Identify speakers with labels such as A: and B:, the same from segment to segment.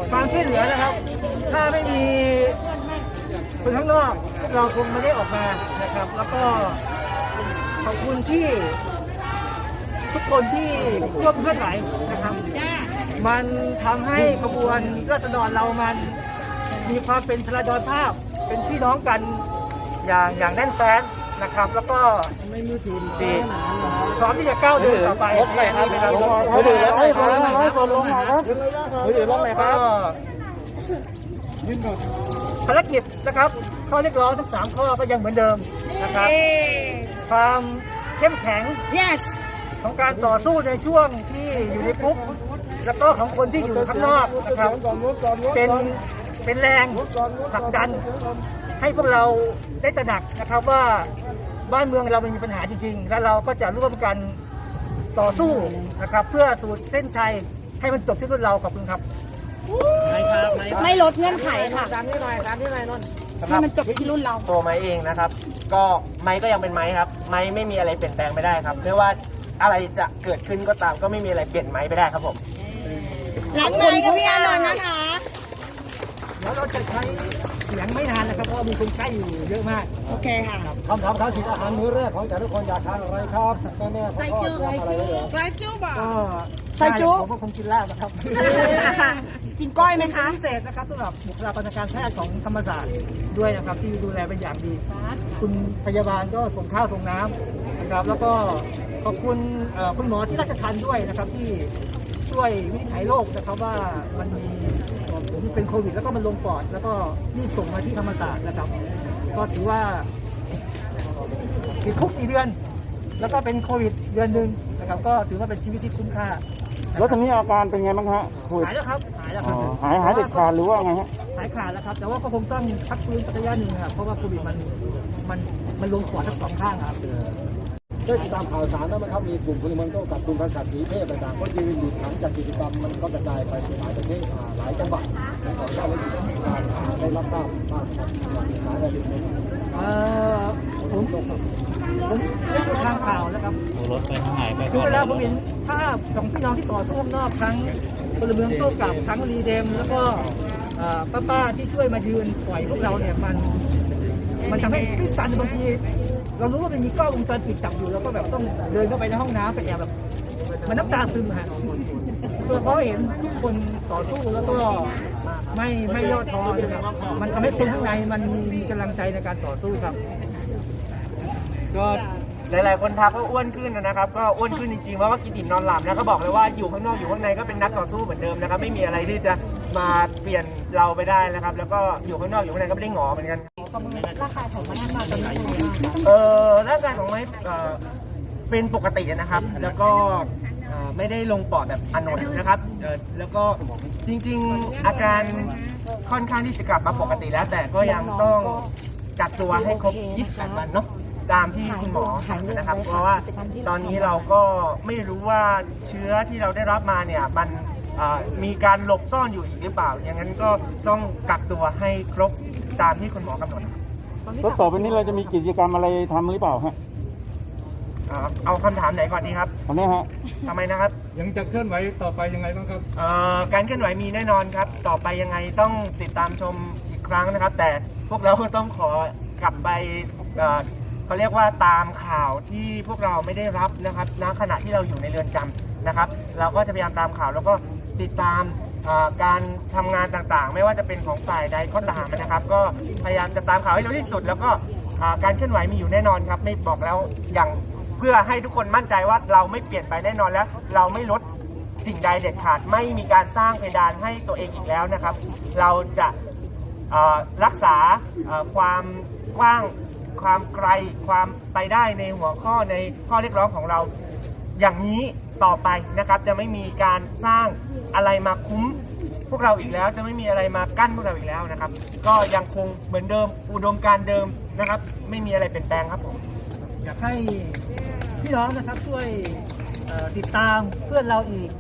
A: ความช่วยเหลือนะครับถ้าไม่มีคนข้างนอกเราคงไม่ได้ออกมานะครับแล้วก็ขอบคุณที่ทุกคนที่ร่วมเคลื่อนไหวนะครับมันทำให้ขบวนราษฎรเรามันมีความเป็นพลดรภาพเป็นพี่น้องกันอย่างแน่นแฟ้นนะครับแล้วก็ไม่มีทีดีพร้อมที่จะก้าวเดินต่อไปครับมือถือลงเลยครับมือถือลงเลยครับภารกิจนะครับข้อเรียกร้องทั้ง3ข้อก็ยังเหมือนเดิมนะครับความเข้มแข็ง
B: yes
A: ของการต่อสู้ในช่วงที่อยู่ในคุกแล้วก็ของคนที่อยู่ข้างนอกนะครับเป็นแรงผลักดันให้พวกเราได้ตระหนักนะครับว่าบ้านเมืองเรามันมีปัญหาจริงๆและเราก็จะร่วมกันต่อสู้นะครับเพื่อสู่เส้นชัยให้มันจบที่รุ่นเราขอบคุณครับ
B: ไม่ลดเงื่อนไขค่ะ
A: ตามนี้หน่อยนนท์
B: ให้มันจบที่รุ่นเรา
C: ตัวไม้เองนะครับก็ไม้ก็ยังเป็นไม้ครับไม้ไม่มีอะไรเปลี่ยนแปลงไม่ได้ครับไม่ว่าอะไรจะเกิดขึ้นก็ตามก็ไม่มีอะไรเปลี่ยนไม้ไปได้ครับผม
B: รักไม้กับพี่อานนท์นะคะ
A: แล้วเราจะใช้เสียงไม่นานนะครับเพราะว่ามีคนใกล้อยู่เยอะมาก
B: โอเคค่ะ
A: คำถามท้าชิงอาหารมื้อแรกของแต่ทุกคนอยากทานอะไรครับแม่ๆใส่จุ๊บใส่จุ๊บใส่จุ๊บผมก็คงกินลาบนะครับ
B: กินก้อยไหมคะ
A: พิเศษนะครับสำหรับบุคลากรทางการแพทย์ของธรรมศาสตร์ด้วยนะครับที่ดูแลเป็นอย่างดีคุณพยาบาลก็ส่งข้าวส่งน้ำนะครับแล้วก็ขอบคุณคุณหมอที่ราชทัณฑ์ด้วยนะครับที่ช่วยวินิจฉัยโรคนะครับว่ามันมีผมเป็นโควิดแล้วก็มันลงปอดแล้วก็รีบส่งมาที่ธรรมศาสตร์นะครับก็ถือว่าติดคุก4 เดือนแล้วก็เป็นโควิดเดือนหนึ่งนะครับก็ถือว่าเป็นชีวิตที่คุ้มค่า
D: แล้วตอนนี้อาการเป็นไงบ้างฮะ
A: หายแล้วครับหายแล้วครับ
D: หายเด็ดขาดหรือว่าไงฮะ
A: หายขาดแล้วครับแต่ว่าก็คงต้องพักฟื้นสักระยะหนึ่งครับเพราะว่าโควิดมันลงปอดทั้ง2 ข้างครับ
E: ได้ติดตามข่าวสารแล้วมั้ยครับมีกลุ่มพลเมืองกับกลุ่มภาษาสีเทพต่างๆก็ยืนอยู่หลังจากกิจกรรมมันก็กระจายไปหลายประเทศหลายจังหวัดนะครับได้รับทราบบ้างครับสารอะไรอย่างนี้
A: ผมได้ดูทางข่าวนะครับ
D: รถไปทางไหนไป
A: คือเวลาผมเห็นภาพของพี่น้องที่ต่อสู้ข้างนอกทั้งพลเมืองโต้กลับทั้งรีเดมแล้วก็ป้าที่ช่วยมายืนปล่อยพวกเราเนี่ยมันทำให้ตื้นตันบางทีเรารู้ว่ามันมีกล้องวงจรปิดจับอยู่เราก็แบบต้องเดินเข้าไปในห้องน้ำไปแอบแบบมันน้ำตาซึมฮะเพราะเห็นทุกคนต่อสู้แล้วก็ไม่ย่อท้อมันทำให้คนข้างในมันมีกำลังใจในการต่อสู้ครับ
C: ก็หลายๆคนทักว่าอ้วนขึ้นนะครับก็อ้วนขึ้นจริงๆเพราะว่ากินอิ่มนอนหลับนะก็บอกเลยว่าอยู่ข้างนอกอยู่ข้างในก็เป็นนักต่อสู้เหมือนเดิมนะครับไม่มีอะไรที่จะมาเปลี่ยนเราไปได้นะครับแล้วก็อยู่ข้างนอกอยู่ข้างในก็ไม่ได้หงอเหมือนกัน
B: ร่างกายของมันมาตอนนี้
C: ร่างกายของไม้เป็นปกตินะครับแล้วก็ไม่ได้ลงปอดแบบอานนท์นะครับแล้วก็จริงๆอาการค่อนข้างที่จะกลับมาปกติแล้วแต่ก็ยังต้องกักตัวให้ครบ28 วันเนาะตามที่คุณหมอนะครับเพราะว่าตอนนี้เราก็ไม่รู้ว่าเชื้อที่เราได้รับมาเนี่ยมันมีการหลบซ่อนอยู่อีกหรือเปล่าอย่างนั้นก็ต้องกักตัวให้ครบตามที่คุณหมอกำหนด
D: แล้วต่อไปนี้เราจะมีกิจกรรมอะไรทำหรือเปล่าฮะ
C: เอาคำถามไหนก่อนดีครับ
D: ตอนนี้ฮะ
C: ทำไมนะครับ
E: ยังจะเคลื่อนไหวต่อไปยังไงบ้างครับ
C: การเคลื่อนไหวมีแน่นอนครับต่อไปยังไงต้องติดตามชมอีกครั้งนะครับแต่พวกเราก็ต้องขอกลับไปเขาเรียกว่าตามข่าวที่พวกเราไม่ได้รับนะครับณขณะที่เราอยู่ในเรือนจำนะครับเราก็จะพยายามตามข่าวแล้วก็ติดตามการทำงานต่างๆไม่ว่าจะเป็นของฝ่ายใดก็ตามนะครับก็พยายามจะตามข่าวให้เร็วที่สุดแล้วก็การเคลื่อนไหวมีอยู่แน่นอนครับไม่บอกแล้วอย่างเพื่อให้ทุกคนมั่นใจว่าเราไม่เปลี่ยนไปแน่นอนแล้วเราไม่ลดสิ่งใดเด็ดขาดไม่มีการสร้างเพดานให้ตัวเองอีกแล้วนะครับเราจะรักษาความกว้างความไกลความไปได้ในหัวข้อในข้อเรียกร้องของเราอย่างนี้ต่อไปนะครับจะไม่มีการสร้างอะไรมาคุ้มพวกเราอีกแล้วจะไม่มีอะไรมากั้นพวกเราอีกแล้วนะครับก็ยังคงเหมือนเดิมอุดมการณ์เดิมนะครับไม่มีอะไรเปลี่ยนแปลงครับผม
A: อยากให้พี่น้องนะครับช่วยติดตามเพื่อนเราอีก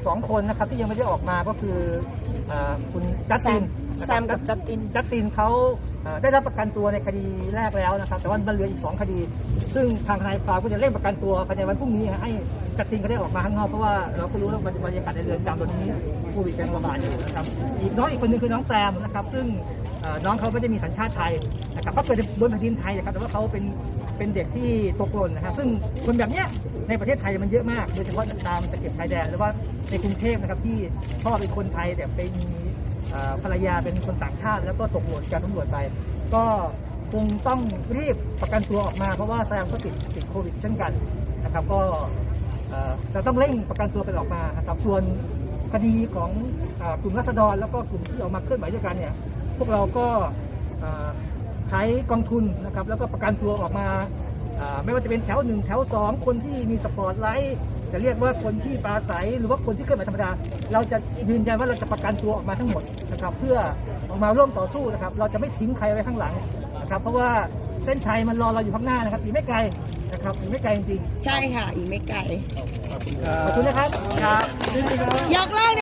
A: 2 คนนะครับที่ยังไม่ได้ออกมาก็คือคุณจัสตินนะครับ
B: แซมกับจัสติน
A: จัสตินเขาได้รับประกันตัวในคดีแรกแล้วนะครับแต่ว่ามันเหลืออีก2 คดี ซึ่งทางทนายความก็จะเร่งประกันตัวภายในวันพรุ่งนี้ให้จัสตินเขาได้ออกมาข้างนอกเพราะว่าเราก็รู้ว่าบรรยากาศในเรือนจำตอนนี้โควิดยังระบาดอยู่นะครับอีกคนนึงคือน้องแซมนะครับซึ่งน้องเขาไม่ได้มีสัญชาติไทยนะครับเขาเกิดบนแผ่นดินไทยนะครับแต่ว่าเขาเป็นเด็กที่ตกหล่นนะครับซึ่งคนแบบเนี้ยในประเทศไทยมันเยอะมากโดยเฉพาะตามตะเข็บชายแดนหรือว่าในกรุงเทพนะครับที่พ่อเป็นคนไทยแต่ไปมีภรรยาเป็นคนต่างชาติแล้วก็ตกหล่นจากตำรวจไปก็คงต้องรีบประกันตัวออกมาเพราะว่าแซมก็ติดโควิดเช่นกันนะครับก็จะต้องเร่งประกันตัวไปออกมานะครับส่วนคดีของกลุ่มราษฎรแล้วก็กลุ่มที่ออกมาเคลื่อนไหวด้วยกันเนี่ยพวกเราก็ใช้กองทุนนะครับแล้วก็ประกันตัวออกมาไม่ว่าจะเป็นแถว1แถว2คนที่มีสปอร์ตไลท์จะเรียกว่าคนที่ปราศัยหรือว่าคนที่เคลื่อนไหวธรรมดาเราจะยืนยันว่าเราจะประกันตัวออกมาทั้งหมดนะครับเพื่อออกมาร่วมต่อสู้นะครับเราจะไม่ทิ้งใครไว้ข้างหลังนะครับเพราะว่าเส้นชัยมันรอเราอยู่ข้างหน้านะครับอีกไม่ไกลนะครับอีกไม่ไกลจริงๆ
B: ใช่ค่ะ อีกไม่ไกล
A: ขอบคุณนะครับ
B: ยกเลิก